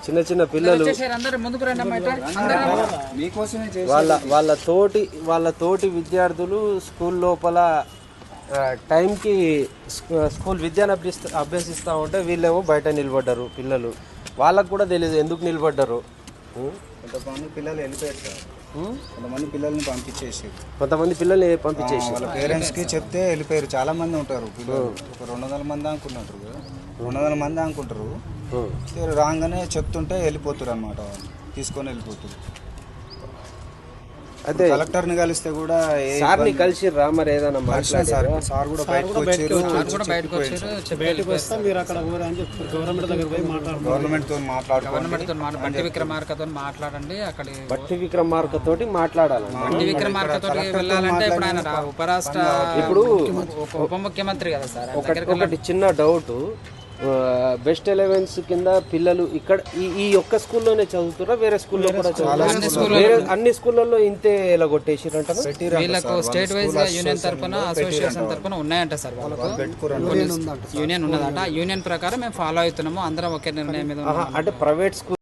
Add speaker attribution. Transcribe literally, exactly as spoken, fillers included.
Speaker 1: చిన్న చిన్న పిల్లలు వాళ్ళ వాళ్ళ తోటి వాళ్ళ తోటి విద్యార్థులు స్కూల్ లోపల టైంకి స్కూల్ విద్యను అభ్యసి అభ్యసిస్తూ ఉంటే వీళ్ళేమో బయట నిలబడ్డారు పిల్లలు. వాళ్ళకు కూడా తెలియదు ఎందుకు నిలబడ్డారు.
Speaker 2: కొంతమంది పిల్లలు వెళ్ళిపోయారు సార్, కొంతమంది పిల్లల్ని పంపించేసి
Speaker 1: కొంతమంది పిల్లల్ని పంపించేసి
Speaker 2: వాళ్ళ పేరెంట్స్కి చెప్తే వెళ్ళిపోయారు. చాలా మంది ఉంటారు పిల్లలు, ఒక రెండు వందల మంది అనుకున్నట్టు రెండు వందల మంది అనుకుంటారు. రాగానే చెప్తుంటే వెళ్ళిపోతారు అనమాట, తీసుకొని వెళ్ళిపోతారు.
Speaker 1: అదే
Speaker 2: కలెక్టర్ని కలిస్తే కూడా
Speaker 1: సార్ని కలిసి రా మరి ఏదైనా మాట్లాడారు.
Speaker 2: సార్ కూడా బయటకు గవర్నమెంట్ తో మాట్లాడుకోవాలి.
Speaker 3: బట్టి విక్రమార్కతో మాట్లాడండి. అక్కడ
Speaker 1: బట్టి విక్రమార్క తోటి మాట్లాడాలి.
Speaker 3: బట్టి విక్రమార్క తోటి వెళ్ళాలంటే ఇప్పుడు ఆయన ఉపరాష్ట్ర
Speaker 1: ఇప్పుడు
Speaker 3: ఉప ముఖ్యమంత్రి కదా సార్.
Speaker 1: ఒకటి చిన్న డౌట్, బెస్ట్ ఎలెవెన్స్ కింద పిల్లలు ఇక్కడ ఈ ఈ ఒక్క స్కూల్లోనే చదువుతారా వేరే స్కూల్లో కూడా చదువుతారా? అన్ని స్కూళ్ళల్లో ఇంతే ఇలా కొట్టేసిరంట.
Speaker 3: వీళ్ళకు స్టేట్ వైజ్ యూనియన్ తరఫున అసోసియేషన్ తరఫున ఉన్నాయంట సార్. వాళ్ళకు యూనియన్ ఉన్నదంట. యూనియన్ ప్రకారం మేము ఫాలో అవుతున్నాము, అందరం ఒకే నిర్ణయం మీద.
Speaker 1: అంటే ప్రైవేట్ స్కూల్